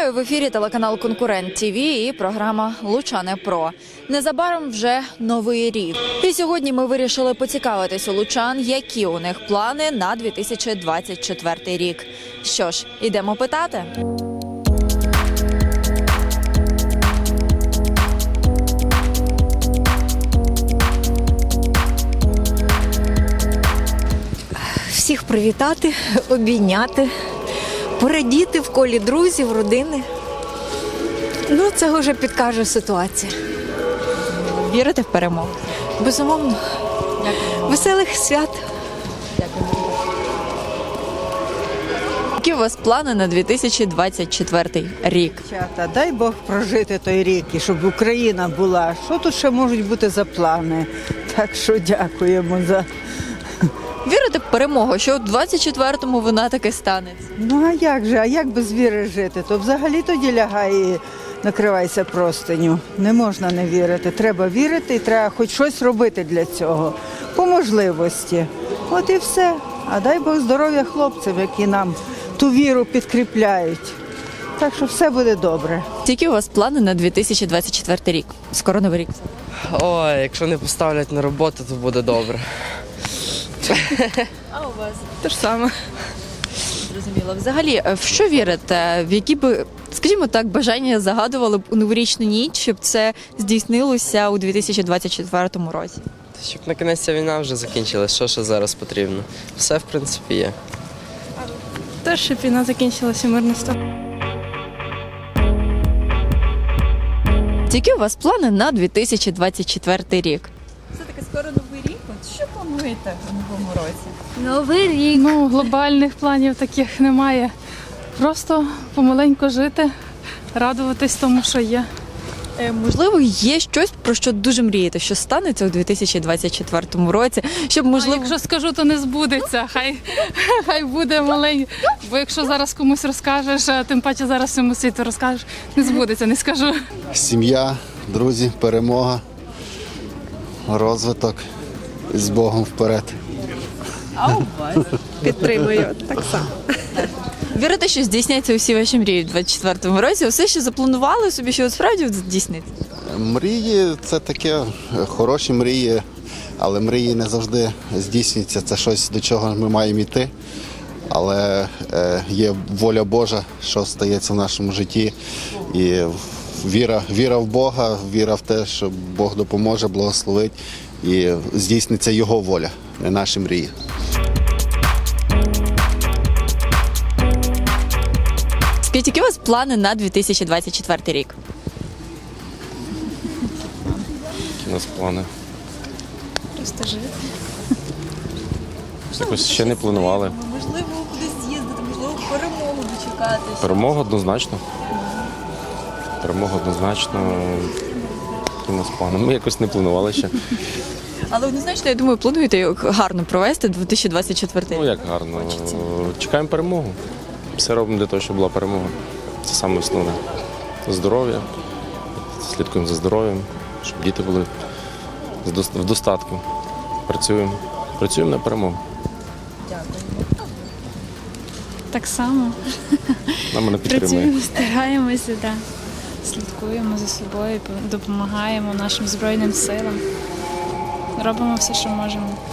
Вітаю в ефірі телеканал Конкурент ТВ і програма Лучани Про. Незабаром вже новий рік. І сьогодні ми вирішили поцікавитись у лучан, які у них плани на 2024 рік. Що ж, ідемо питати. Всіх привітати, обійняти, порадіти в колі друзів, родини. Ну, це вже підкаже ситуація. Вірите в перемогу? Безумовно. Веселих свят. Які у вас плани на 2024 рік? Дівчата, дай Бог прожити той рік, і щоб Україна була. Що тут ще можуть бути за плани? Так що дякуємо за... Вірите в перемогу, що у 24-му вона таки станеться? Ну а як же? А як без віри жити? То взагалі тоді лягай і накривайся простиню. Не можна не вірити. Треба вірити і треба хоч щось робити для цього. По можливості. От і все. А дай Бог здоров'я хлопцям, які нам ту віру підкріпляють. Так що все буде добре. Які у вас плани на 2024 рік? Скоро новий рік. Ой, якщо не поставлять на роботу, то буде добре. А у вас? Те ж саме. Зрозуміло. Взагалі, в що вірите? В які би, скажімо так, бажання загадували б у новорічну ніч, щоб це здійснилося у 2024 році? Щоб на кінець ця війна вже закінчилась, що ще зараз потрібно? Все, в принципі, є. Теж, щоб війна закінчилася, мирно стало. Які у вас плани на 2024 рік? Це таки скоро новий рік. От що плануєте в новому році? Новий рік. Ну, глобальних планів таких немає. Просто помаленьку жити, радуватись тому, що є. Можливо, є щось, про що дуже мрієте, що станеться у 2024 році, щоб, А можливо... якщо скажу, то не збудеться. Хай буде маленько. Бо якщо зараз комусь розкажеш, а тим паче зараз всьому світу розкажеш, не збудеться, не скажу. Сім'я, друзі, перемога, розвиток з Богом вперед. А у вас? Підтримую так само. Вірите, що здійсняться усі ваші мрії у 2024 році? Усе, що запланували собі, що от справді здійсниться? Мрії це таке, хороші мрії, але мрії не завжди здійснюються. Це щось, до чого ми маємо йти. Але є воля Божа, що стається в нашому житті. І віра в Бога, віра в те, що Бог допоможе, благословить. І здійсниться Його воля, не наші мрії. Скажіть, які у вас плани на 2024 рік? Які у нас плани? Просто жити. Якось ще не планували. Можливо, кудись з'їздити, можливо, перемогу дочекатися. Перемога однозначно. Перемога однозначно. Які у нас плани? Ми якось не планували ще. Але однозначно, я думаю, плануєте його гарно провести 2024 рік. Ну як гарно. Чекаємо перемогу. Все робимо для того, щоб була перемога. Це саме основне. Здоров'я. Слідкуємо за здоров'ям, щоб діти були в достатку. Працюємо. Працюємо на перемогу. Так само. Нам мене підтримує. Працюємо, стараємося, да. Слідкуємо за собою, допомагаємо нашим Збройним силам. Робимо все, що можемо.